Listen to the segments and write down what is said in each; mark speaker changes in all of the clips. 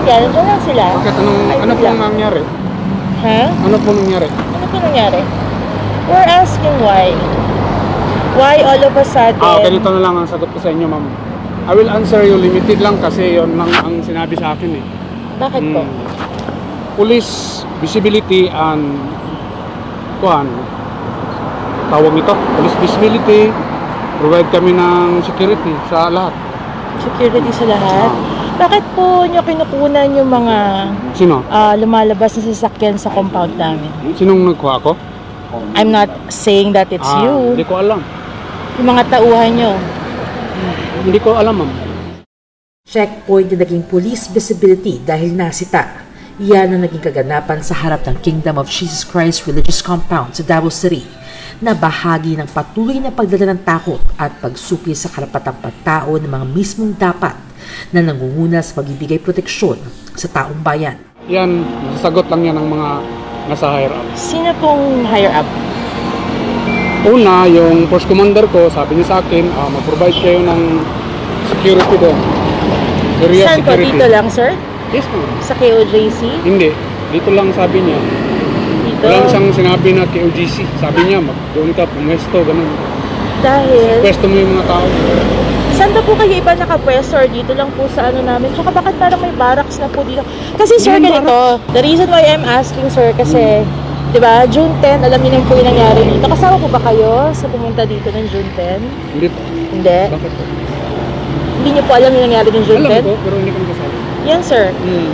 Speaker 1: sasakyan, nandiyan lang sila.
Speaker 2: Bakit?
Speaker 1: Ay,
Speaker 2: Ano
Speaker 1: bigla.
Speaker 2: pong nangyari?
Speaker 1: Ha?
Speaker 2: Ano po nangyari?
Speaker 1: Ano po nangyari? We're asking why. Why all of a sudden?
Speaker 2: Ganito na lang ang sagot ko sa inyo, ma'am. I will answer you, limited lang kasi yon lang ang sinabi sa akin eh.
Speaker 1: Bakit po?
Speaker 2: Police visibility and tawag nito, police visibility, provide kami ng security sa lahat.
Speaker 1: Security sa lahat? Bakit po nyo kinukunan yung mga
Speaker 2: Sino?
Speaker 1: lumalabas na sasakyan sa compound namin?
Speaker 2: Sinong nagkuha ko?
Speaker 1: I'm not saying that it's you.
Speaker 2: Hindi ko alam.
Speaker 1: Yung mga tauhan nyo.
Speaker 2: Hindi ko alam, ma'am.
Speaker 3: Checkpoint na naging police visibility dahil nasita. Yan ang naging kaganapan sa harap ng Kingdom of Jesus Christ Religious Compound sa Davao City na bahagi ng patuloy na pagdala ng takot at pagsupli sa karapatang pagtao ng mga mismong dapat na nangunguna sa pagbibigay proteksyon sa taong bayan.
Speaker 2: Yan, sasagot lang yan ng mga nasa higher up.
Speaker 1: Sino pong higher up?
Speaker 2: Una, yung force commander ko, sabi niya sa akin, mag-provide kayo ng security doon. Area
Speaker 1: Saan po?
Speaker 2: security.
Speaker 1: Dito lang, sir?
Speaker 2: Yes, ma'am.
Speaker 1: Sa KOJC?
Speaker 2: Hindi. Dito lang sabi niya.
Speaker 1: Dito?
Speaker 2: Walang siyang sinabi na KOGC. Sabi niya, doon ka, pumwesto, ganun.
Speaker 1: Dahil?
Speaker 2: Pwesto mo yung mga tao.
Speaker 1: Saan ba po kayo iba nakapwesto or dito lang po sa ano namin? Tsaka bakit parang may barracks na po dito? Kasi sir, ganito, the reason why I'm asking sir, kasi, di ba, June 10, alam niyo po yung nangyari dito. Kasama po ba kayo sa pumunta dito ng June 10?
Speaker 2: Hindi po.
Speaker 1: Hindi?
Speaker 2: Bakit po?
Speaker 1: Hindi niyo po alam yung nangyari ng June 10?
Speaker 2: Alam ko, pero hindi kami kasama.
Speaker 1: Yan sir.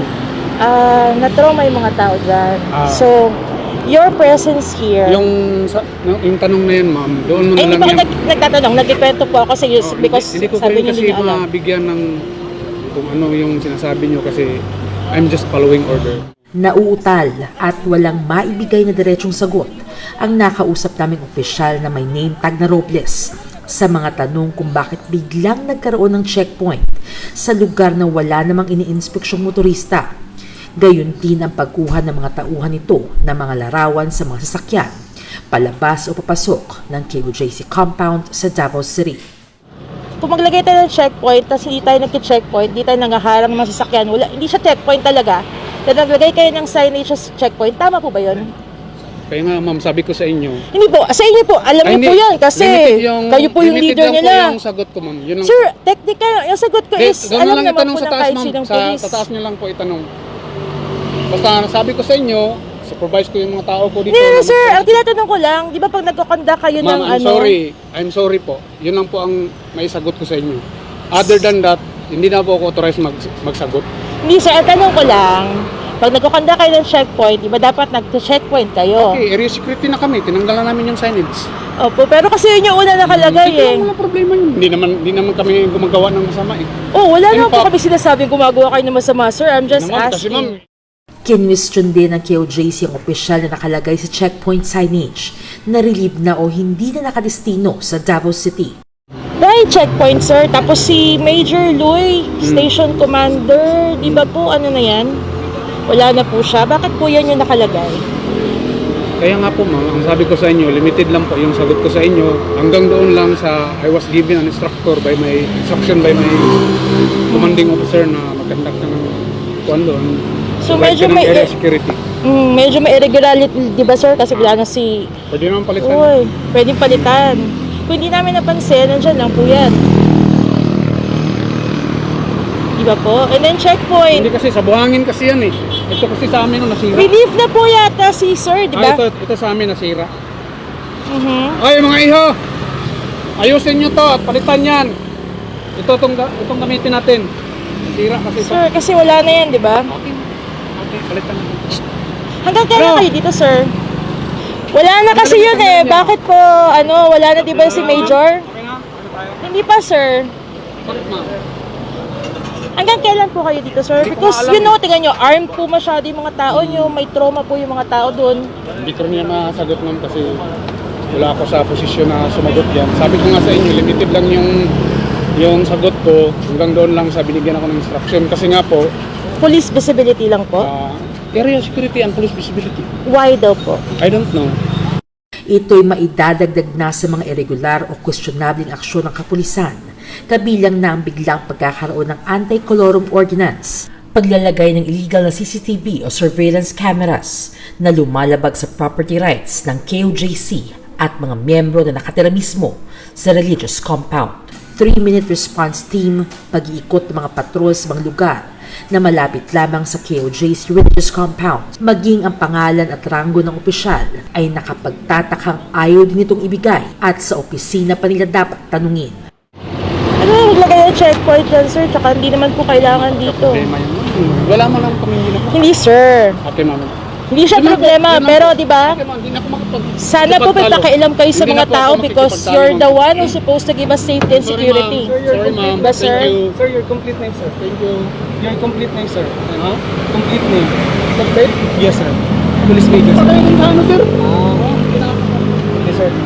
Speaker 1: Na-trauma yung mga tao dyan.
Speaker 2: Ah.
Speaker 1: So, your presence here...
Speaker 2: Yung tanong na yan, ma'am, doon mo
Speaker 1: Ay,
Speaker 2: na
Speaker 1: hindi
Speaker 2: lang
Speaker 1: po ako nagtatanong. Nagkikwento po ako sa because
Speaker 2: hindi ko
Speaker 1: sabi
Speaker 2: kayo
Speaker 1: niyo
Speaker 2: kasi
Speaker 1: hindi niyo alam.
Speaker 2: mabigyan ng kung ano yung sinasabi niyo kasi I'm just following order.
Speaker 3: Nauutal at walang maibigay na diretsong sagot ang nakausap naming opisyal na may name tag na Robles sa mga tanong kung bakit biglang nagkaroon ng checkpoint sa lugar na wala namang iniinspeksyong motorista. Gayon din ang pagkuha ng mga tauhan nito ng mga larawan sa mga sasakyan, palabas o papasok ng KOJC compound sa Davao City.
Speaker 1: Kung maglagay tayo ng checkpoint, tapos hindi tayo nagki-checkpoint, hindi tayo nanghaharang ng mga sasakyan, hindi siya checkpoint talaga. Then naglagay kayo ng signage sa checkpoint, tama po ba yun?
Speaker 2: Kaya nga, ma'am, sabi ko sa inyo.
Speaker 1: Hindi po, sa inyo po, alam niyo po yan kasi kayo po yung leader
Speaker 2: limited
Speaker 1: nila.
Speaker 2: lang po yung sagot ko, ma'am. Yun lang.
Speaker 1: Sir, technical, yung sagot ko is,
Speaker 2: Doon
Speaker 1: alam
Speaker 2: lang
Speaker 1: naman
Speaker 2: itanong
Speaker 1: po
Speaker 2: sa
Speaker 1: ng
Speaker 2: taas,
Speaker 1: kahit
Speaker 2: ma'am.
Speaker 1: sinong
Speaker 2: Sa
Speaker 1: police.
Speaker 2: taas niyo lang po itanong. Basta sabi ko sa inyo, supervise ko yung mga tao ko dito.
Speaker 1: Hindi, sir, ang tinatanong ko lang, di ba pag nagkakonda kayo ng
Speaker 2: Ma'am,
Speaker 1: ano?
Speaker 2: I'm sorry po. Yun lang po ang maisagot ko sa inyo. Other than that, hindi na po ako authorized magsagot.
Speaker 1: Hindi, sir, ang tanong ko lang, pag nagkakonda kayo ng checkpoint, di ba dapat nag-checkpoint kayo?
Speaker 2: Okay, area security na kami. Tinanggalan namin yung signage.
Speaker 1: Opo, pero kasi yun yung una nakalagay eh.
Speaker 2: Wala problema yun. Hindi naman kami gumagawa ng masama eh.
Speaker 1: Oh, wala
Speaker 2: In
Speaker 1: naman po
Speaker 2: fact-
Speaker 1: kami sinasabing gumagawa kayo ng masama, sir. I'm just
Speaker 2: Naman, kasi ma'am,
Speaker 1: asking.
Speaker 3: Kinwestiyon din ng KOJC ang opisyal na nakalagay sa checkpoint signage na relieve na o hindi na nakadestino sa Davao City.
Speaker 1: Dahil checkpoint, sir. Tapos si Major Louie, Station Commander, di ba po ano na yan? Wala na po siya. Bakit po yan yung nakalagay?
Speaker 2: Kaya nga po ma'am, ang sabi ko sa inyo, limited lang po yung sagot ko sa inyo. Hanggang doon lang sa I was given an instruction by my commanding officer na mag-conduct ng kuwan doon.
Speaker 1: So
Speaker 2: Provide
Speaker 1: medyo
Speaker 2: ka ng
Speaker 1: may
Speaker 2: area security.
Speaker 1: medyo may irregularity, di ba sir? Kasi wala na si...
Speaker 2: Pwede naman palitan.
Speaker 1: Uy, pwedeng palitan. Kung hindi namin napansin, nandyan lang po yan. Di ba po? And then checkpoint.
Speaker 2: Hindi kasi, sa buhangin kasi yan eh. Ito kasi sa amin nasira.
Speaker 1: Relief na po yata si sir, di ba?
Speaker 2: Ito sa amin nasira.
Speaker 1: Mhm.
Speaker 2: Ay mga iho! Ayusin nyo to at palitan yan. Itong gamitin natin. Nasira kasi ito.
Speaker 1: Sir, kasi wala na yan, di ba?
Speaker 2: Okay, palitan.
Speaker 1: Hanggang kailan
Speaker 2: Bro!
Speaker 1: kayo dito, sir? Wala na kasi yun eh. Bakit po, wala na di ba si Major?
Speaker 2: Okay na? Ano tayo?
Speaker 1: Hindi pa, sir.
Speaker 2: Bakit ma'am?
Speaker 1: Hanggang kailan po kayo dito, sir?
Speaker 2: Hindi ko
Speaker 1: Because,
Speaker 2: alam.
Speaker 1: tingnan nyo, armed po masyado yung mga tao nyo. May trauma po yung mga tao doon.
Speaker 2: Hindi ko rin yan masagot ma'am kasi wala ako sa posisyon na sumagot yan. Sabi ko nga sa inyo, limited lang yung sagot ko. Hanggang doon lang sa binigyan ako ng instruction. Kasi nga po,
Speaker 1: Police visibility lang po.
Speaker 2: area security and police visibility.
Speaker 1: Why daw po?
Speaker 2: I don't know.
Speaker 3: Ito'y maidadagdag na sa mga irregular o questionabling aksyon ng kapulisan, kabilang na ang biglang pagkakaroon ng anti-colorum ordinance Paglalagay ng illegal na CCTV o surveillance cameras na lumalabag sa property rights ng KOJC at mga miyembro na nakatira mismo sa religious compound. 3-minute response team, pag-iikot ng mga patrol sa mga lugar na malapit lamang sa KOJC religious compound. Maging ang pangalan at ranggo ng opisyal ay nakapagtatakang ayaw din itong ibigay at sa opisina pa nila dapat tanungin.
Speaker 1: Ano, maglagay ng checkpoint dyan, sir, tsaka hindi naman po kailangan dito.
Speaker 2: Problema yun. Wala mo lang kami hindi na.
Speaker 1: Hindi, sir.
Speaker 2: Ate, ma'am.
Speaker 1: Hindi siya problema, pero di ba?
Speaker 2: Ate, ma'am, hindi na ako makapag...
Speaker 1: Sana po may pakialam kayo sa
Speaker 2: Hindi
Speaker 1: mga
Speaker 2: na po
Speaker 1: tao
Speaker 2: ako
Speaker 1: because
Speaker 2: makikipagtalo,
Speaker 1: you're the
Speaker 2: ma'am.
Speaker 1: one who's supposed to give us safety and security.
Speaker 2: Sorry, ma'am.
Speaker 1: Diba, sir?
Speaker 2: Thank you.
Speaker 4: Sir, your complete name, sir.
Speaker 2: Thank you.
Speaker 4: Your complete name, sir.
Speaker 2: Ha?
Speaker 4: Complete name.
Speaker 2: Complete?
Speaker 4: Yes, sir. Police major, sir.
Speaker 2: Patay ng ano, sir?
Speaker 4: Yes, sir.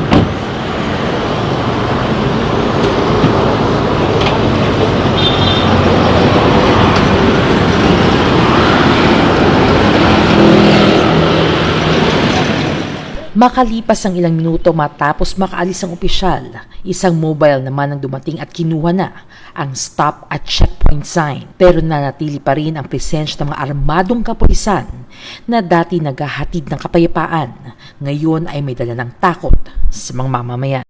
Speaker 3: Makalipas ang ilang minuto matapos makaalis ang opisyal, isang mobile naman ang dumating at kinuha na ang stop at checkpoint sign. Pero nanatili pa rin ang presensya ng mga armadong kapulisan na dati naghahatid ng kapayapaan. Ngayon ay may dala ng takot sa mga mamamayan.